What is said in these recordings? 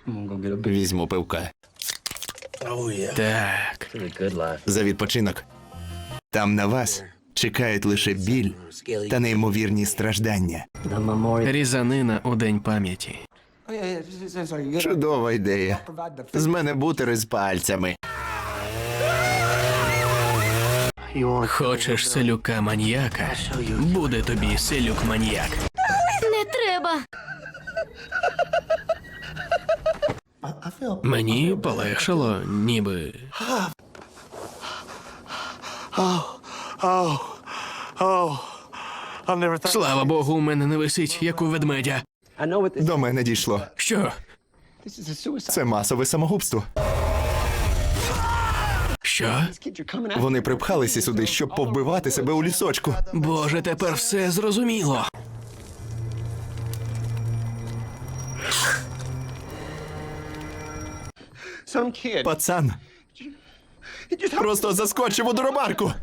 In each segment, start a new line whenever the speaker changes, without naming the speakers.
Візьму пивка.
Так.
За відпочинок. Там на вас чекають лише біль та неймовірні страждання.
Різанина у День пам'яті.
Чудова ідея. З мене бутери з пальцями.
Хочеш селюка-маньяка? Буде тобі селюк-маньяк.
Не треба.
Мені полегшало, ніби. Слава Богу, у мене не висить, як у ведмедя.
До мене дійшло.
Що?
Це масове самогубство.
Що?
Вони припхалися сюди, щоб повбивати себе у лісочку.
Боже, тепер все зрозуміло.
Пацан просто заскочив у дробарку.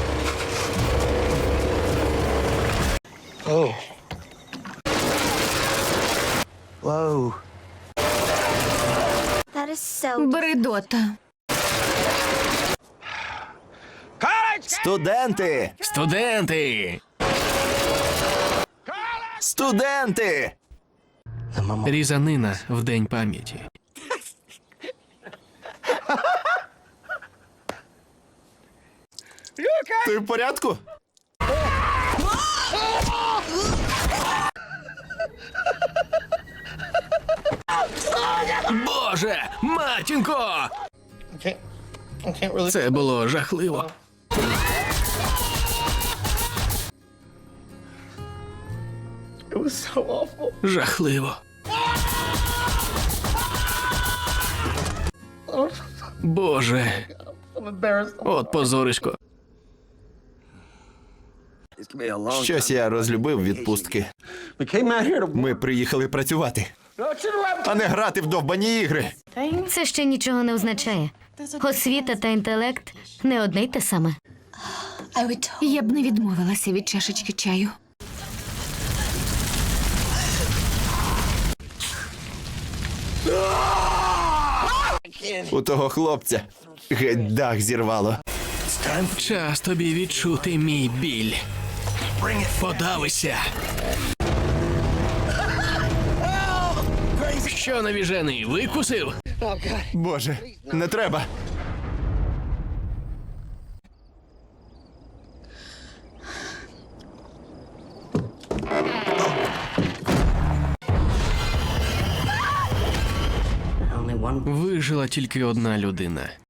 Бредота.
Студенти!
Студенти!
Студенти!
Різанина в День пам'яті.
Ти в порядку?
Боже! Матінко! Це було жахливо. Жахливо. Боже. От позорисько.
Щось я розлюбив відпустки. Ми приїхали працювати, а не грати в довбані ігри.
Це ще нічого не означає. Освіта та інтелект не одне й те саме.
Я б не відмовилася від чашечки чаю.
У того хлопця геть дах зірвало.
Час тобі відчути мій біль. Подавися. Що, навіжений, викусив?
Боже, не треба.
Вижила тільки одна людина.